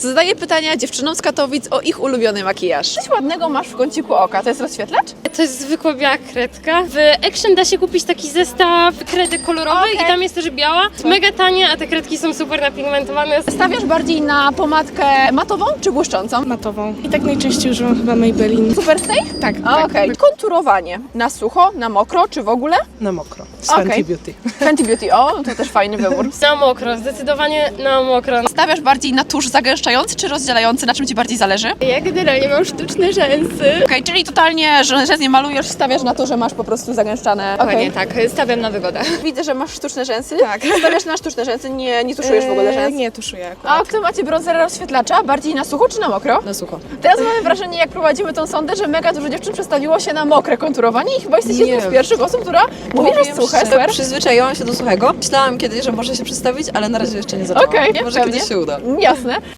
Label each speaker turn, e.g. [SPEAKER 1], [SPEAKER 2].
[SPEAKER 1] Zadaję pytania dziewczynom z Katowic o ich ulubiony makijaż. Coś ładnego masz w kąciku oka, to jest rozświetlacz?
[SPEAKER 2] To jest zwykła biała kredka. W Action da się kupić taki zestaw kredek kolorowych i tam jest też biała. Mega tanie, a te kredki są super napigmentowane.
[SPEAKER 1] Stawiasz bardziej na pomadkę matową czy błyszczącą?
[SPEAKER 3] Matową. I tak najczęściej używam chyba Maybelline.
[SPEAKER 1] Super Stay?
[SPEAKER 3] Tak,
[SPEAKER 1] Okej. Konturowanie. Na sucho, na mokro czy w ogóle?
[SPEAKER 3] na mokro. Z
[SPEAKER 1] Okej.
[SPEAKER 3] Fenty Beauty.
[SPEAKER 1] Fenty Beauty, o, to też fajny wybór.
[SPEAKER 2] Na mokro, zdecydowanie na mokro.
[SPEAKER 1] Stawiasz bardziej na tusz zagęszczający czy rozdzielający? Na czym Ci bardziej zależy?
[SPEAKER 2] Ja generalnie mam sztuczne rzęsy.
[SPEAKER 1] Okej, czyli totalnie, że nie malujesz, stawiasz na to, że masz po prostu zagęszczane.
[SPEAKER 4] Dokładnie tak, stawiam na wygodę.
[SPEAKER 1] Widzę, że masz sztuczne rzęsy.
[SPEAKER 4] Tak.
[SPEAKER 1] Stawiasz na sztuczne rzęsy, nie tuszujesz w ogóle rzęs.
[SPEAKER 3] Nie tuszuję akurat.
[SPEAKER 1] A kto macie bronzera rozświetlacza? Bardziej na sucho czy na mokro?
[SPEAKER 4] Na sucho.
[SPEAKER 1] Teraz mamy wrażenie, jak prowadzimy tą sondę, że mega dużo dziewczyn przestawiło się na mokre konturowanie i chyba jesteś jedną z pierwszych osób, która mówi, że jest suche. Super.
[SPEAKER 4] Przyzwyczaiłam się do suchego. Myślałam kiedyś, że może się przedstawić, ale na razie jeszcze nie zaczęłam.
[SPEAKER 1] Okej,
[SPEAKER 4] może
[SPEAKER 1] pewnie.
[SPEAKER 4] kiedyś się uda.
[SPEAKER 1] Jasne.